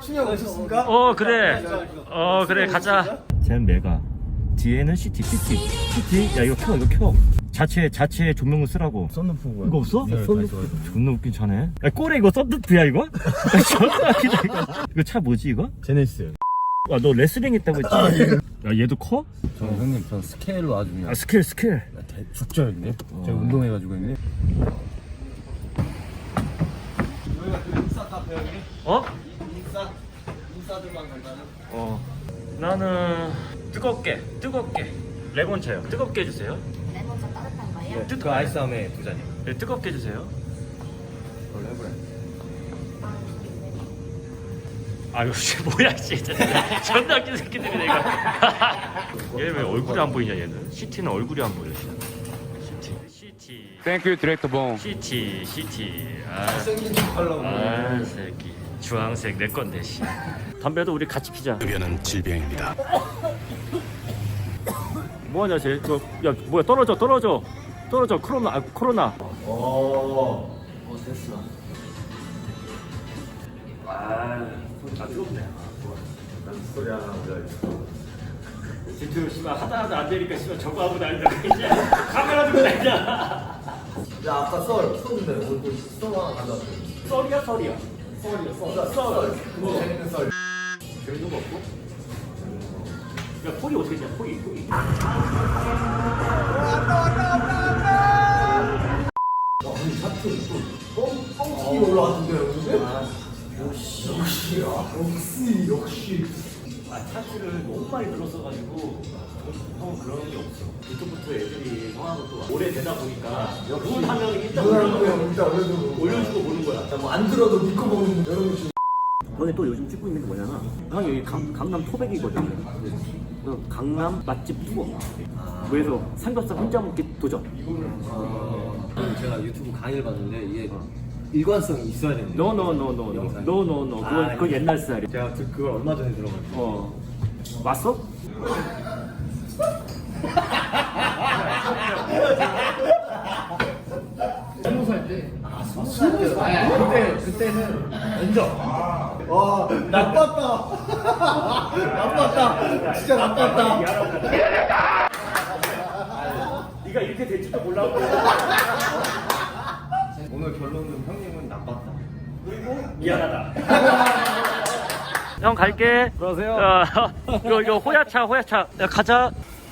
춘영 오셨습니까? 그래. 그래 가자. 쟤는 메가. 뒤에는 CT. 야 이거 켜. 자체 조명을 쓰라고. 썬루프고요. 이거 없어? 네, 썬루프. 존나 웃긴 차네. 야 꼬레 이거 썬루프야 이거? 존나 웃기다 이거. 이거 차 뭐지 이거? 제네시스. 와 너 레슬링 했다고 했지? 야 얘도 커? 형님 전 스케일로 아주 그냥 스킬. 죽죠 형님. 제가 운동해가지고 형님. 여기가 그 인싸 카페 형님? 인싸들만 간다는? 나는 뜨겁게 레몬차요. 뜨겁게 해주세요. 레몬차 따뜻한 거예요? 그 아이스함에 2잔이요. 네, 뜨겁게 해주세요. 그걸로 해보래. 아유 씨 뭐야 진짜 존나 웃긴 새끼들이 내가. 얘 왜 얼굴이 안 보이냐 얘는. CT는 얼굴이 안 보여. CT. 땡큐 디렉터 봉. CT. 생긴 척 하려고. 새끼. 주황색 내 건데 씨. 담배도 우리 같이 피자. 흡연은 질병입니다. 뭐하냐 쟤. 야 뭐야 떨어져. 코로나. 됐어. 아 뜨겁네. 소리 하나 보자. 진짜 씨발 하다 안 되니까 씨발 저거 하고 다닌다. 카메라 들고 다니냐. 야 아까 썰인데 오늘 썰 하나 가져왔어요. 썰이야. 그거 재밌는 썰. 재밌는 거 없고? 야 폴이 어떻게 되냐 폴이. 아니 차트 또 뻥뻥튀기 올라왔는데요 근데? 역시 차트를 너무 많이 들었어가지고 형은 그런 게 없어. 이쪽부터 애들이 형하고 또 오래 되다 보니까 그걸 하면 일단 올려주고 보는 거야. 뭐안 들어도 믿고 먹는 여러분 지금 형이 또 요즘 찍고 있는 게 뭐냐나 형이 여기 강남 토백이거든. 그래서 강남 맛집 투어. 그래서 삼겹살 혼자 먹기 도전. 제가 유튜브 강의를 봤는데 이게 일관성이 있어야 되는데 노. 그건 옛날 스타일이야. 제가 그걸 얼마 전에 들어가지고 왔어? 그때는 면접. 와 나빴다. 진짜 나빴다. 네가 이렇게 될 줄도 몰랐고. 오늘 결론은 형님은 나빴다. 미안하다. 형 갈게. 들어가세요. 이거 호야차. 야 가자.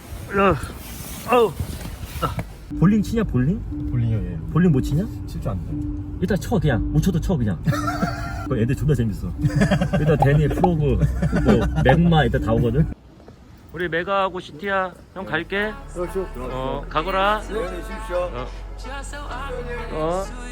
볼링 치냐 볼링? 볼링이에요. 볼링 못 치냐? 칠줄 안 돼. 일단 쳐 그냥 못 쳐도 쳐 그냥. 그 애들 존나 재밌어. 일단 데니 프로그 뭐 맥마 일단 다 오거든. 우리 메가하고 시티야. 형 갈게. 그렇죠. 가거라. 안녕히 계십시오. 어.